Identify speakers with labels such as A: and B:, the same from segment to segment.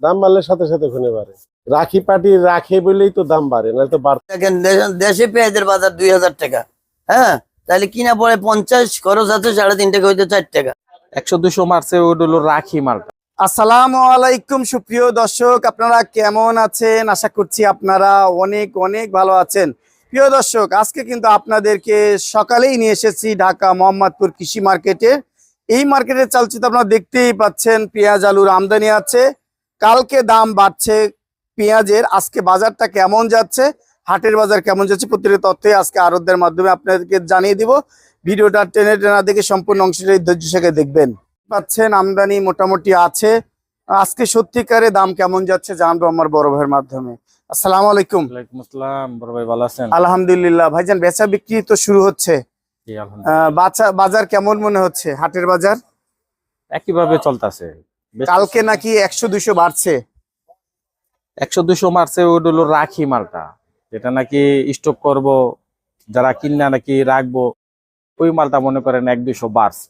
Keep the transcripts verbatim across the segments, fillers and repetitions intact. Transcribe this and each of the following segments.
A: দাম বাড়লে সাথে সাথে ওখানে বাড়ে। রাখি পাটি রাখে বলেই তো দাম বাড়ে, না তো বাড়ে।
B: দেখেন দেশে পেঁয়াজের বাজার দুই হাজার টাকা, হ্যাঁ তাহলে কিনা পড়ে পঞ্চাশ, খরচ আছে সাড়ে তিন টাকা, হইতে চার টাকা।
C: একশো দুশো মারছে ওটা হলো রাখি মালটা।
D: আসসালামু আলাইকুম সুপ্রিয় দর্শক, আপনারা কেমন আছেন? আশা করছি আপনারা অনেক অনেক ভালো আছেন। প্রিয় দর্শক, আজকে কিন্তু আপনাদেরকে সকালেই নিয়ে এসেছি ঢাকা মোহাম্মদপুর কৃষি মার্কেটে। এই মার্কেটের চালচিত্র আপনারা দেখতেই পাচ্ছেন, পেঁয়াজ আলুর আমদানি আছে। কালকে দাম বাড়ছে পেঁয়াজের, আজকে বাজারটা কেমন যাচ্ছে, হাটের বাজার কেমন যাচ্ছে, প্রতিটি তথ্যই আজকে আরোদের মাধ্যমে আপনাদেরকে জানিয়ে দিব। ভিডিওটা টেনে টেনা দেখে সম্পূর্ণ অংশটাই ধৈর্য সহকারে দেখবেন। পাচ্ছেন আমদানি মোটামুটি আছে। আজকে সত্যিকারে দাম কেমন যাচ্ছে জানবো আমার বড় ভাইয়ের মাধ্যমে। আসসালামু আলাইকুম।
C: ওয়ালাইকুম আসসালাম, বড় ভাই ভালো আছেন?
D: আলহামদুলিল্লাহ ভাইজান, বেচা বিক্রি তো শুরু হচ্ছে।
C: জি আলহামদুলিল্লাহ।
D: আহ, বাচা বাজার কেমন মনে হচ্ছে? হাটের বাজার
C: একইভাবে চলতেছে।
D: কালকে নাকি একশো দুইশো বাড়ছে?
C: একশো দুশো মারছে ওটা হলো রাখি মালটা, যেটা নাকি স্টক করব, যারা কিনা নাকি রাখবো, ওই মালটা মনে করেন এক দুইশো বাড়ছে।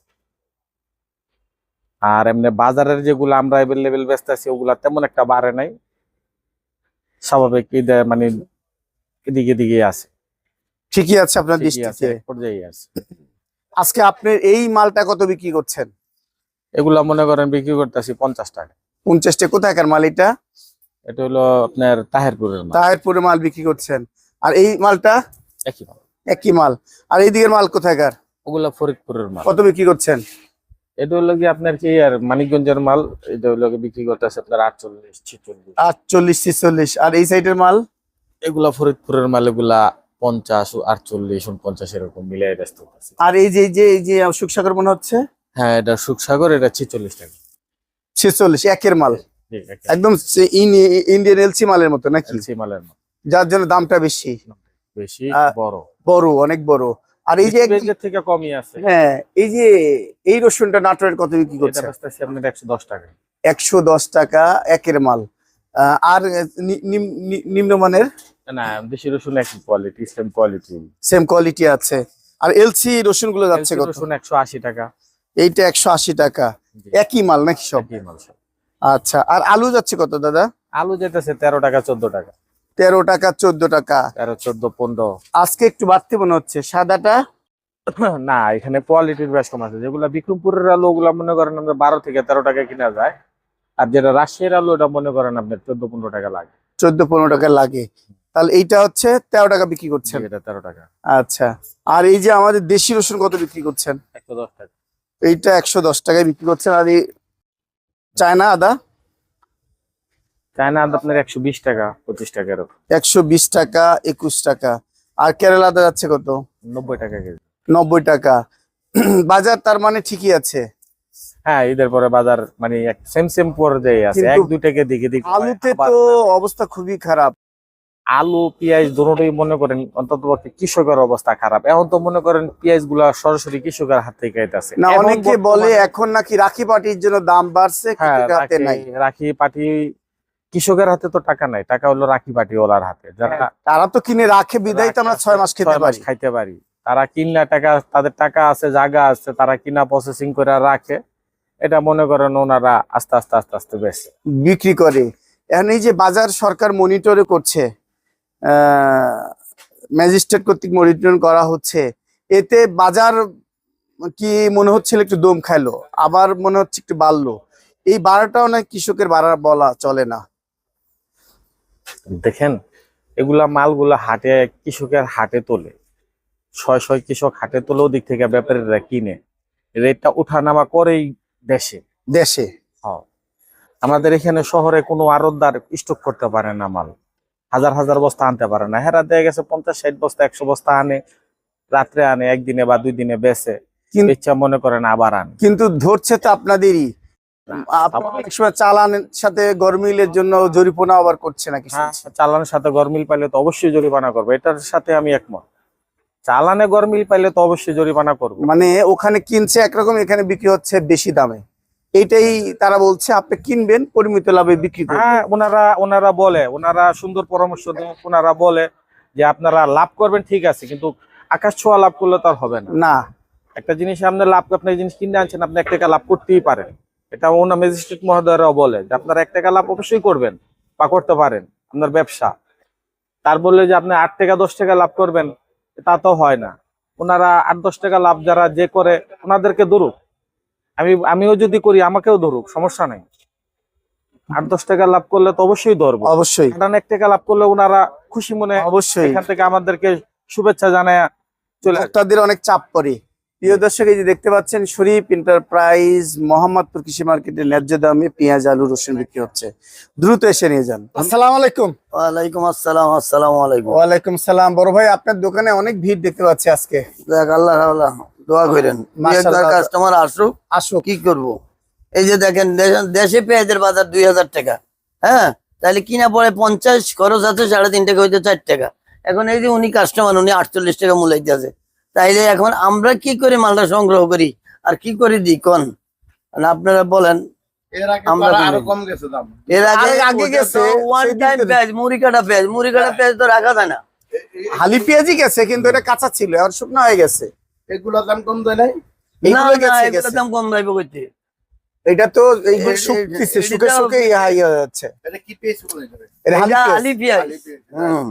C: আর এমনি বাজারের যেগুলো আমরা এভেলেবেল বেচতেছি ওগুলা তেমন একটা বাড়ে নাই, স্বাভাবিক মানে এদিকে দিকে আছে,
D: ঠিকই আছে আপনার
C: ঠিকই আছে,
D: দৃষ্টিতে।
C: এক পর্যায়ে আছে।
D: আজকে আপনি এই মালটা কত বিক্রি করছেন?
C: এগুলা মনে করেন বিক্রি করতেছি পঞ্চাশ টাকা।
D: পঞ্চাশটা কোথাকার মাল এটা?
C: এটা হলো আপনার তাহেরপুরের মাল।
D: তাহেরপুরে মাল বিক্রি করছেন। আর এই মালটা?
C: একই মাল।
D: একই মাল। আর এই দিকের মাল কোথাকার?
C: ওগুলা ফরিদপুরের মাল।
D: কত বিক্রি করছেন?
C: এটা হলো কি আপনার কি আর মানিকগঞ্জের মাল, এটা হলো বিক্রি করতেছে আপনার আটচল্লিশ ছিচল্লিশ।
D: আটচল্লিশ ছিচল্লিশ। আর এই সাইডের মাল?
C: এগুলা ফরিদপুরের মাল, এগুলা পঞ্চাশ আটচল্লিশ উনপঞ্চাশ এরকম মিলাই ব্যস্ত আছে।
D: আর এই যে এই যে এই যে সুখসাগর মনে হচ্ছে?
C: হ্যাঁ, এটা সুখসাগর, এটা ছিচল্লিশ টাকা।
D: ছেচল্লিশ একের মাল,
C: জি, একটা
D: একদম ইন্ডিয়ান এলসি মালের মতো নাকি?
C: এলসি মালের মাল।
D: যার জন্য দামটা বেশি,
C: বেশি
D: আহ,
C: বড়
D: বড়, অনেক বড়। আর এই যে এক-
C: পেঁয়াজের থেকে কমই আছে।
D: হ্যাঁ, এই যে এই রসুনটা নাটোরের কত বিক্রি
C: এটা
D: করছে?
C: বেচতেছি আপনার একশো দশ টাকা।
D: একশো দশ টাকা একের মাল। আহ, আর নি- নিম- নি- নিম্নমানের
C: না, দেশি রসুন একই quality, same quality.
D: Same quality আছে। আর এলসি রসুন গুলো যাচ্ছে কত?
C: রসুন একশো আশি টাকা।
D: এইটা একশো আশি টাকা।
C: জি,
D: একই মাল নাকি সব?
C: একই মাল সব।
D: আচ্ছা, আর আলু যাচ্ছে কত দাদা?
C: আলু যেতেছে তেরো টাকা চোদ্দ টাকা।
D: তেরো টাকা চোদ্দ টাকা।
C: তেরো চোদ্দ পনেরো।
D: আজকে একটু বাড়তি মনে হচ্ছে। সাদাটা?
C: না, এখানে কোয়ালিটির বেশ কম আছে। যেগুলা বিক্রমপুরের আলু ওগুলা মনে করেন আমরা বারো থেকে তেরো টাকা কিনা যায়, আর যেটা রাজশাহীর আলু ওটা মনে করেন আপনার চোদ্দ পনেরো টাকা লাগে।
D: চোদ্দ পনেরো টাকা লাগে। তাহলে এইটা হচ্ছে তেরো টাকা বিক্রি করছেন।
C: এটা তেরো টাকা।
D: আচ্ছা, আর এই যে আমাদের দেশি রসুন কত বিক্রি করছেন?
C: একশো দশ টাকা।
D: এইটা একশো দশ টাকায় বিক্রি করছেন। আর এই চায়না আদা?
C: চায়না আদা আপনার একশো বিশ টাকা পঁচিশ টাকা এরকম।
D: একশো বিশ টাকা একুশ টাকা। আর কেরালা আদা যাচ্ছে কত?
C: নব্বই টাকা কেজি।
D: নব্বই টাকা। বাজার তার মানে ঠিকই আছে।
C: হ্যাঁ, ঈদের পরে বাজার মানে সেম সেম পর্যায়ে আছে,
D: কিন্তু
C: এক দুই টাকা দিকে দিকে।
D: আলুতে
C: আবার
D: তো অবস্থা খুবই খারাপ।
C: আলু পেঁয়াজ দুটোই মনে করেন অন্তত কৃষকের অবস্থা খারাপ। এখন তো মনে করেন পেঁয়াজ গুলা সরাসরি কৃষকের হাত থেকে আইতাছে।
D: না,
C: এখন
D: অনেকে বলে
C: বর্তমানে-
D: এখন নাকি রাখি পাটির জন্য দাম বাড়ছে,
C: হ্যাঁ,
D: কৃষকের হাতে
C: রাখি
D: নাই।
C: রাখি পাটি কৃষকের হাতে তো টাকা নাই, টাকা হলো রাখি পাটি ওলার হাতে, যারা
D: তারা তো কিনে রাখে বিদায় তো আমরা ছয় মাস খেতে
C: ছয় মাস
D: পারি।
C: খাইতে পারি। তারা কিনা টাকা, তাদের টাকা আছে, জায়গা আছে, তারা কিনা প্রসেসিং করে রাখে। এটা মনে করেন ওনারা আস্তে আস্তে আস্তে আস্তে বেশি
D: বিক্রি করে। এখন এই যে বাজার সরকার মনিটরে করছে, ম্যাজিস্ট্রেট কর্তৃক মনিটরিং করা হচ্ছে, এতে বাজার কি মনে হচ্ছিল একটু দম খাইলো, আবার মনে হচ্ছে একটু বাড়লো। এই বাড়াটাও না কৃষকের বাড়া বলা চলে না।
C: দেখেন, এগুলা মালগুলা হাটে কৃষকের হাটে তোলে, ছয় ছয় কৃষক হাটে তোলেও দিক থেকে ব্যাপারীরা কিনে, রেটটা উঠানামা করেই দেশে
D: দেশে
C: হ্যাঁ। আমাদের এখানে শহরে কোনো আড়তদার স্টক করতে পারে না মাল, হাজার হাজার বস্তা আনতে পারে না। হেরা দিয়ে গেছে পঞ্চাশ ষাট বস্তা একশো বস্তা আনে, রাত্রে আনে, একদিনে বা দুই দিনে বেচে,
D: কিন্তু
C: ইচ্ছা মনে করেন আবার আনে।
D: কিন্তু ধরছে তো আপনাদেরই। আপনারা অনেক সময় চালানের সাথে গরমিলের জন্য জরিমানা আবার করছে নাকি?
C: হ্যাঁ, চালানের সাথে গরমিল পাইলে তো অবশ্যই জরিমানা করবো, এটার সাথে আমি একমত। চালানে গরমিল পাইলে তো অবশ্যই জরিমানা করবো।
D: মানে ওখানে কিনছে একরকম, এখানে বিক্রি হচ্ছে বেশি দামে, এইটাই তারা বলছে। আপনি কিনবেন, পরিমিত লাভে বিক্রি করবেন।
C: হ্যাঁ, ওনারা ওনারা বলে, ওনারা সুন্দর পরামর্শ দেন। ওনারা বলে যে আপনারা লাভ করবেন, ঠিক আছে, কিন্তু আকাশ ছোঁয়া লাভ করলে তো আর হবে না।
D: না,
C: একটা জিনিস আপনি লাভ, আপনি এই জিনিস কিনে আনছেন, আপনি এক টাকা লাভ করতেই পারেন, এটা ওনা ম্যাজিস্ট্রেট মহোদয়রাও বলে যে আপনারা এক টাকা লাভ অবশ্যই করবেন বা করতে পারেন, আপনার ব্যবসা। তার বললে যে আপনি আট টাকা দশ টাকা লাভ করবেন, তা তো হয় না। ওনারা আট দশ টাকা লাভ যারা যে করে ওনাদেরকে ধরুক, আমি আমিও যদি করি আমাকেও ধরুক, সমস্যা নেই। আট দশ টাকা লাভ করলে তো অবশ্যই ধরবো,
D: অবশ্যই
C: কারণ এক টাকা লাভ করলে ওনারা খুশি মনে
D: অবশ্যই
C: এখান থেকে আমাদেরকে শুভেচ্ছা জানায় চলে আসবে।
D: ভোক্তাদের অনেক চাপ পড়ে। প্রিয় দর্শক, এই যে দেখতে পাচ্ছেন শরীফ এন্টারপ্রাইজ মোহাম্মদপুর কৃষি মার্কেটে ন্যায্য দামে পেঁয়াজ আলু রসুন বিক্রি হচ্ছে, দ্রুত এসে নিয়ে যান। আসসালামু আলাইকুম।
B: ওয়ালাইকুম আসসালাম। আসসালামু আলাইকুম।
D: ওয়ালাইকুম সালাম। বড় ভাই, আপনার দোকানে অনেক ভিড় দেখতে পাচ্ছি আজকে।
B: দেখ, আল্লাহ আল্লাহ দোয়া করেন,
D: মাশাআল্লাহ।
B: কাস্টমার আসুক।
D: আসুক।
B: কি করব, এই যে দেখেন দে- দেশে পেঁয়াজের বাজার দুই হাজার টাকা, হ্যাঁ, তাহলে কিনা পড়ে পঞ্চাশ, খরচ আছে সাড়ে তিন টাকা, হইতে চার টাকা। এখন এই যে উনি কাস্টমার, উনি আটচল্লিশ টাকা মূল্যাইতে আছে, তাইলে এখন আমরা কি করে মালটা সংগ্রহ করি আর কি করে দিই কোন, মানে আপনারা বলেন। আমরা
A: আরো কম গেছে দাম।
B: এর আগে
D: আগে- আগে গেছে,
B: ওয়ান
D: সেদিন
B: টাইম
D: তো-
B: পেঁয়াজ, মুড়ি কাটা পেঁয়াজ, মুড়ি কাটা পেঁয়াজ তো রাখা যায় না।
D: হালি পেঁয়াজই গেছে, কিন্তু এটা কাঁচা ছিল, আর শুকনো হয়ে গেছে।
A: এগুলা দাম কম দেয় নাই।
B: না
D: এইগুলো
B: না,
D: গেছে,
B: এগুলোর
D: গেছে।
B: দাম কম যাইব কইতে।
D: এটা তো এইগুলো
B: এ- এ-
D: শুকতেছে,
B: এ-
D: শুকে
B: এটাও-
D: শুকে ইয়া ইয়া যাচ্ছে।
A: এটা কি পেয়েছ বলে যাবে?
D: এটা হালি
B: এটা
D: পেঁয়াজ।
B: আলি পেঁয়াজ।
A: আলি পেঁয়াজ।
B: হুম,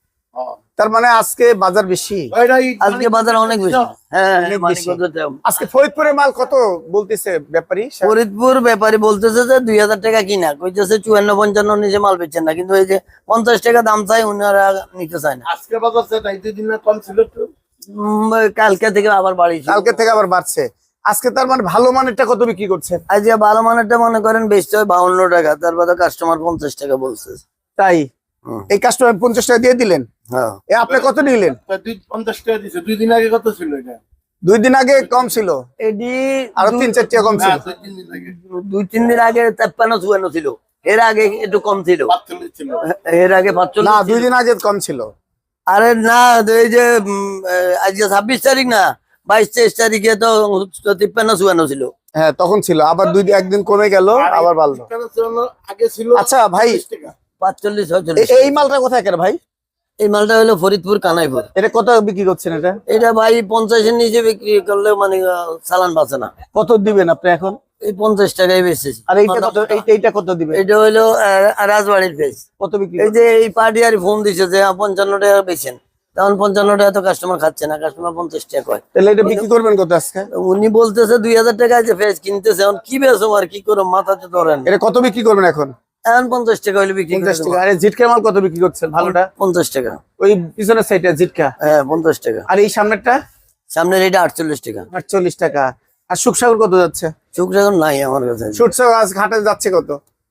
D: তার মানে আজকে বাজার বেশি।
B: আজকে বাজার অনেক বেশি। হ্যাঁ,
D: অনেক
B: মানে
D: বেশি।
B: কত দাম?
D: আজকে ফরিদপুরের মাল কত বলতেছে ব্যাপারী?
B: ফরিদপুর ব্যাপারী বলতেছে যে দুই হাজার টাকা কিনা, কইতেছে চুয়ান্ন পঞ্চান্ন নিচে মাল বেচছেন না, কিন্তু এই যে পঞ্চাশ টাকা দাম চাই উনারা নিতে চায় না।
A: আজকে বাজার সে তাই দুই দিন না কম ছিল তো।
B: উম, কালকে থেকে আবার বাড়িছে।
D: কালকে থেকে আবার বাড়ছে। আজকে তার মানে ভালো মানেরটা কত বিক্রি করছেন?
B: আজকে ভালো মানেরটা মনে করেন বেচতে হয় বাউন্ন টাকা, তারপরে কাস্টমার পঞ্চাশ টাকা বলছে।
D: তাই
B: হুম।
D: এই কাস্টমার পঞ্চাশ টাকা দিয়ে দিলেন।
B: হ্যাঁ,
D: এ আপনি কত নিলেন?
A: তা দুই পঞ্চাশ টাকা দিছে, দুই দিন আগে কত ছিল এটা?
D: দুই দিন আগে কম ছিল,
B: এটি
D: আরো তিন চার টাকা কম ছিল।
A: না, দুই তিন দিন আগে
B: দুই তিন দিন আগে তেপ্পান্ন চুয়ান্ন ছিল, এর আগে একটু কম ছিল,
A: পাঁচচল্লিশ ছিল।
B: এর আগে পাঁচচল্লিশ
D: না,
B: ছিল।
D: দুই দিন আগে কম ছিল।
B: আরে না, এই যে উম, আহ, আজকে ছাব্বিশ তারিখ না, বাইশ তেইশ তারিখে তো তিপ্পান্ন চুয়ান্ন ছিল।
D: হ্যাঁ, তখন ছিল, আবার দুই দিন- একদিন কমে গেল,
A: আর
D: আবার বাড়লো।
A: কেন ছিল না? আগে ছিল
D: আচ্ছা ভাই,
A: চল্লিশ টাকা।
B: পাঁচচল্লিশ
D: এ-
B: ছয়চল্লিশ।
D: এই মালটা কোথায় কেন ভাই?
B: এই মালটা হলো ফরিদপুর কানাইপুর।
D: এটা কত বিক্রি করছেন? এটা
B: এটা ভাই পঞ্চাশের নিচে বিক্রি করলে মানে আহ, চালান বাঁচে না।
D: কত দিবেন আপনি এখন?
B: এই পঞ্চাশ টাকায় বেচেছি।
D: আর এইটা কত? এইটা এইটা কত দিবেন?
B: এটা হলো আহ, রাজবাড়ির পেজ।
D: কত বিক্রি?
B: এই যে এই পার্টি আর ফোন দিছে যে আহ, পঞ্চান্ন টাকা বেচেন, তখন পঞ্চান্ন টাকা তো কাস্টমার খাচ্ছে না, কাস্টমার পঞ্চাশ টাকা কয়।
D: তাহলে এটা বিক্রি করবেন কত আজকে?
B: উনি বলতেছে দুই হাজার টাকা যে পেজ কিনতেছে, এখন কি বেচো আর কি করো, মাথাতে ধরেন।
D: এটা কত বিক্রি করবেন এখন?
B: এখন পঞ্চাশ টাকা হলে বিক্রি করে
D: পঞ্চাশ
B: দেবো।
D: টাকা। আরে জিটকা মাল কত বিক্রি করছেন ভালোটা?
B: পঞ্চাশ টাকা।
D: ওই পিছনের সাইডটা জিটকা।
B: হ্যাঁ, পঞ্চাশ টাকা।
D: আর এই সামনেরটা
B: সামনের এটা আটচল্লিশ টাকা।
D: আটচল্লিশ টাকা। আর সুখসাগর কত যাচ্ছে?
B: চুকরা এখন নাই আমার কাছে।
D: সুখসাগর আজ ঘাটে যাচ্ছে কত?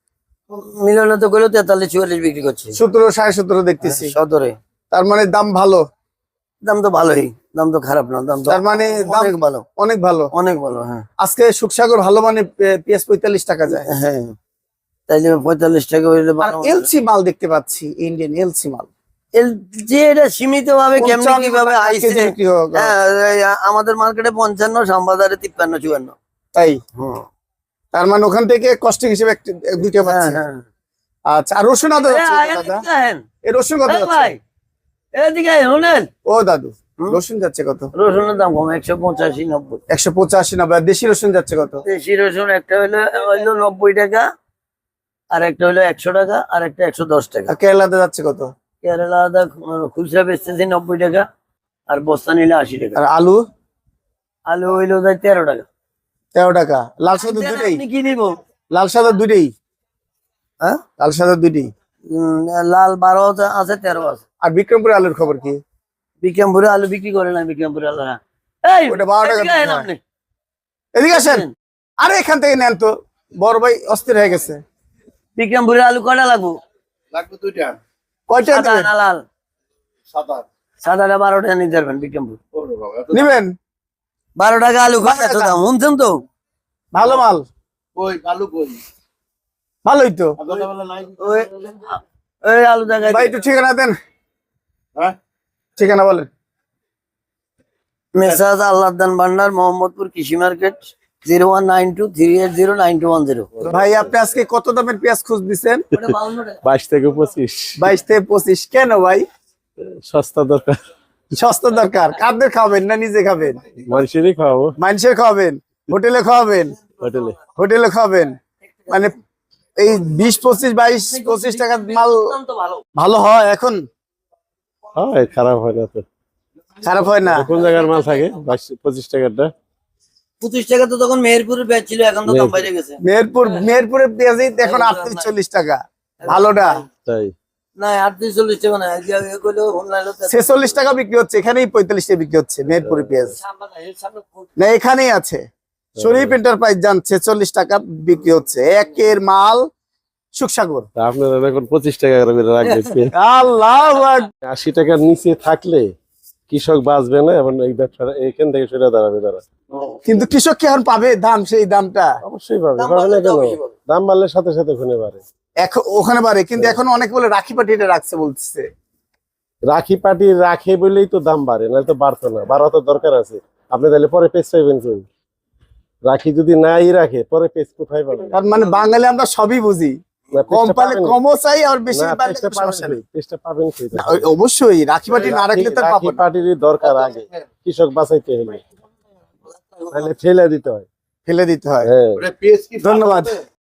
B: মিলনে তো গেলেও তেতাল্লিশ চুয়াল্লিশ বিক্রি করছে
D: সতেরো সাড়ে সতেরো দেখতেছি।
B: সদরে।
D: তার মানে দাম ভালো।
B: দাম তো ভালোই, দাম তো খারাপ না, দাম তো
D: তার মানে দাম
B: অনেক ভালো,
D: অনেক ভালো।
B: অনেক ভালো। হ্যাঁ
D: আজকে সুখসাগর ভালো মানে পে- পেঁয়াজ পঁয়তাল্লিশ টাকা যায়।
B: হ্যাঁ, তাইলে পঁয়তাল্লিশ টাকা হইলে
D: আর
B: ভালো।
D: এলসি মাল দেখতে পাচ্ছি, ইন্ডিয়ান এলসি মাল।
B: এল- যে এটা সীমিত ভাবে কেমনি
D: পঞ্চান্ন
B: কিভাবে
D: টাকা
B: আইছে।
D: কেজি বিক্রি হোক।
B: হ্যাঁ, এই আমাদের মার্কেটে পঞ্চান্ন, শ্যামবাজারে তিপ্পান্ন চুয়ান্ন।
D: তাই
B: হুম।
D: তার মানে ওখান থেকে কস্টিং হিসেবে একটা দুইটা
B: হ্যাঁ,
D: পাচ্ছি।
B: হ্যাঁ।
D: আচ্ছা, আর রসুন আদা
B: এই,
D: যাচ্ছে
B: আয়,
D: কত দাদা?
B: এদিকে আহেন।
D: এই রসুন কত
B: এই
D: যাচ্ছে?
B: ভাই, এদিকে আয়, শুনেন।
D: ও দাদু,
B: হুম?
D: রসুন যাচ্ছে কত?
B: রসুনের দাম কম, একশো পঁচাশি নব্বই।
D: একশো পঁচাশি নব্বই। আর দেশি রসুন যাচ্ছে কত?
B: দেশি রসুন একটা হইলো হইলো নব্বই টাকা, আর একটা হইলো একশো টাকা, আর একটা একশো দশ টাকা।
D: আর কেরালাতে যাচ্ছে কত?
B: কেরালা আদা খুচরা বেচতেছি নব্বই টাকা, আর বস্তা নিলে আশি টাকা।
D: আর আলু?
B: আলু হইলো যায় তেরো টাকা।
D: তেরো টাকা। লাল সাদা দুইটাই?
B: আপনি কি নিব?
D: লাল সাদা দুইটাই?
B: হ্যাঁ,
D: লাল সাদা দুইটাই।
B: উম, লাল বারো আছে, তেরো আছে।
D: আর বিক্রমপুরে আলুর খবর কি?
B: বিক্রমপুরে আলু বিক্রি করে না, বিক্রমপুরে আলু না। এই,
D: ওটা বারো টাকা
B: এদিকে আহেন
D: হয়।
B: আপনি।
D: এদিকে আসেন। আরে এখান থেকে নেন তো, বড় ভাই অস্থির হয়ে গেছে।
B: বিক্রমপুরে আলু কয়টা লাগবো?
A: লাগবে দুইটা।
D: কয়টা
B: সাদা
D: দিবেন?
B: না লাল?
A: সাদা।
B: সাদাটা বারো টাকা নিতে পারবেন বিক্রমপুর।
A: ওরে বাবা, এত
D: নিবেন?
B: বারো টাকা আলু
D: বারো
B: কয় এত
D: টাকা।
B: দাম শুনছেন তো?
D: ভালো মাল,
A: কই আলু কই?
D: ভালোই তো।
A: আলাদা বেলা নাই।
B: ওই ওই আলু দেখাই
D: ভাই একটু ঠিকানা দেন।
A: হ্যাঁ?
D: ঠিকানা বলেন।
B: মেসাজ আল্লাহদান ভান্ডার, মোহাম্মদপুর কৃষি market, zero one nine two three eight zero nine two one zero.
D: ভাই আপনি আজকে কত দামের পেঁয়াজ খুঁজ দিচ্ছেন?
A: বাইশ থেকে পঁচিশ।
D: বাইশ থেকে পঁচিশ। কেন ভাই?
A: সস্তা দরকার,
D: সস্তা দরকার। কাদের খাবেন না নিজে খাবেন?
A: মানুষেরই খাওয়াবো।
D: মানুষের খাওয়াবেন, হোটেলে খাওয়াবেন?
A: হোটেলে।
D: হোটেলে খাবেন মানে এই বিশ পঁচিশ বাইশ পঁচিশ টাকার মাল ভালো হয় এখন?
A: হয়, খারাপ হয় না তো।
D: খারাপ হয় না?
A: কোন জায়গার মাল থাকে বাইশ পঁচিশ টাকারটা?
B: পঁচিশ টাকা তো তখন মেহেরপুরের পেঁয়াজ ছিল, এখন তো দাম
A: মেহেরপুর।
B: বাইরে গেছে।
D: মেহেরপুর মেহেরপুরের পেঁয়াজই এখন আটত্রিশ চল্লিশ টাকা ভালোটা।
A: তাই
B: না আটত্রিশ চল্লিশ টাকা না, এই যে আগে কইলো অনলাইনে তো-
D: ছেচল্লিশ টাকা বিক্রি হচ্ছে, এখানেই পঁয়তাল্লিশ টাকা বিক্রি হচ্ছে মেহেরপুরের পেঁয়াজ। না এখানেই আছে, শরীফ এন্টারপ্রাইজ যান ছেচল্লিশ টাকা বিক্রি হচ্ছে একের মাল সুখসাগর।
A: তা আপনারা এখন পঁচিশ টাকা করে রাখবেন।
D: আল্লাহ আকবার।
A: আশি টাকার নিচে থাকলে কৃষক বাঁচবে না এবং এই ব্যবসা এখান থেকে সরে দাঁড়াবে তারা।
D: কিন্তু কৃষক কি এখন পাবে দাম, সেই দামটা
A: অবশ্যই পাবে,
B: দাম
A: পাবে না
B: বাড়লে
A: কেন?
B: দাম বেশি পাবে।
A: দাম বাড়লে সাথে সাথে ওখানে বাড়ে।
D: এখন ওখানে বাড়ে, কিন্তু এখন অনেক বলে রাখি পাটি এটা রাখছে বলতেছে।
A: রাখি পাটি রাখে বলেই তো দাম বাড়ে, নাহলে তো বাড়তো না। বাড়া তো দরকার আছে। আপনি তাহলে পরে পেজ পাইবেন কই? রাখি যদি নাই রাখে পরে পেজ কোথায় পাবেন?
D: তার মানে বাঙালি আমরা সবই বুঝি,
A: না,
D: কম
A: পেজটা
D: পালে
A: পাবেন
D: কমও চাই আর বেশি
A: না,
D: পালে
A: পেজটা
D: কোনো
A: পাবেন
D: সমস্যা
A: কই?
D: নেই।
A: পেজটা পাবেন কই?
D: না, ওই- অবশ্যই রাখি পাটি না রাখলে তো
A: রাখি
D: পাবো না।
A: পাটিরই দরকার আগে, কৃষক বাঁচাইতে হলে, তাহলে ফেলে দিতে হয়।
D: ফেলে দিতে হয়।
A: হ্যাঁ।
D: ধন্যবাদ।